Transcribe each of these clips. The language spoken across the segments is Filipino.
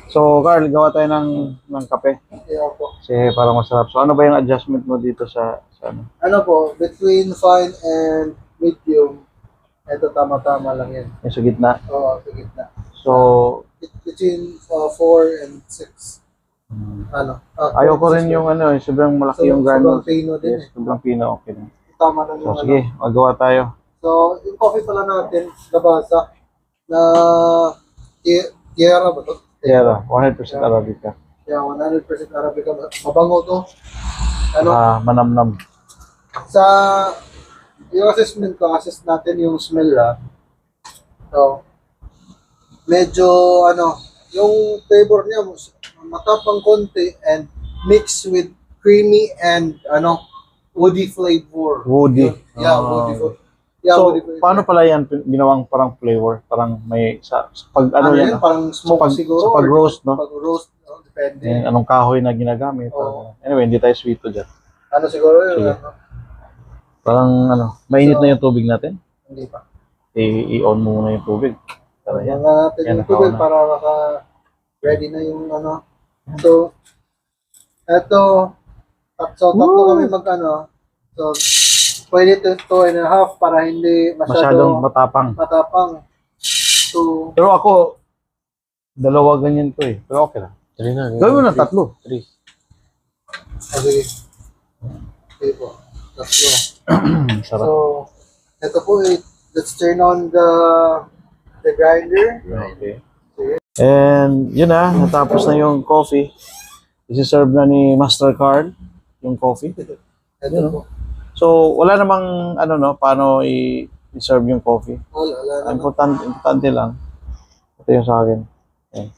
So, Carl, gawa tayo ng kape. Yeah po. Kasi parang masarap. So, ano ba yung adjustment mo dito sa ano? Ano po, between fine and medium, ito tama-tama lang yan. Yung sa gitna. Oo, sa gitna. So, Between 4 and 6. Ano? ayaw ko rin yung ano, sobrang malaki yung Sobrang granules. pino din Yes, sobrang pino, okay na. Tama lang So, yung sige, magawa tayo. So, yung coffee pala natin, nabasa na Tierra ba to? Tierra, 100% Arabica. Yeah, 100% Arabica. Mabango to. Ano? Manamnam. Sa yung assessment ko, assess natin yung smell So, medyo yung flavor niya matapang konti and mixed with creamy and woody flavor. Woody. Yeah, woody flavor. Yeah, So, woody flavor. paano pala yan ginawang parang flavor? Parang may, sa pag ano yan? Parang smoke siguro. Sa pag-roast, no? Pag-roast, depende. And anong kahoy na ginagamit. Oo. Anyway, hindi tayo sweet to dyan. Ano siguro yun? Sige. Parang mainit na yung tubig natin. Hindi pa. I-on mo muna yung tubig. Tara yan. Mga natin Yan, yung tubig nakauna. para ready na yung So, eto, tatlo kami So, pwede 2.5 para hindi Masyadong matapang. matapang. So, Pero ako, dalawa ganyan ko eh. Pero okay lang. 3 na. Gawin mo na 3. 3. sige. Okay po. Tatlo. Sarap. So, eto po, let's turn on the grinder. Okay. And yun na, natapos na yung coffee. Isi-serve na ni Master Carl yung coffee. Eto Yun, po. So, wala namang paano i-serve yung coffee. Wala Ang naman. importante lang. Ito yung sa akin. Ayan.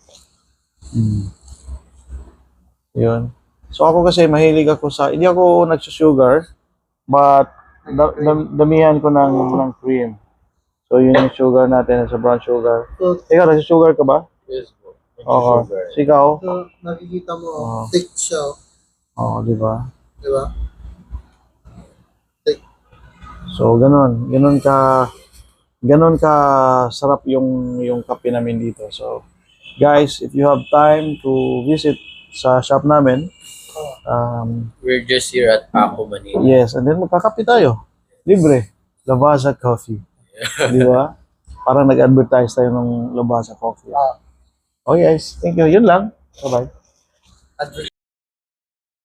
Yun. So ako kasi mahilig ako hindi ako nagsusugar, but damihan ko ng cream. So yun yung sugar natin sa brown sugar. So, Ikaw, nagsusugar ka ba? Yes po. Oo. Sugar. So ikaw? so nakikita mo, Oo. thick siya. Oo, di ba? Di ba? So ganun ka sarap yung kape namin dito. So guys, if you have time to visit sa shop namin, We're just here at Paco, Manila. yes, and then magkakape tayo. Libre. Lavazza Coffee. Di ba? Parang nag-advertise tayo ng Lavazza Coffee. Okay guys, thank you. Yun lang. Bye-bye.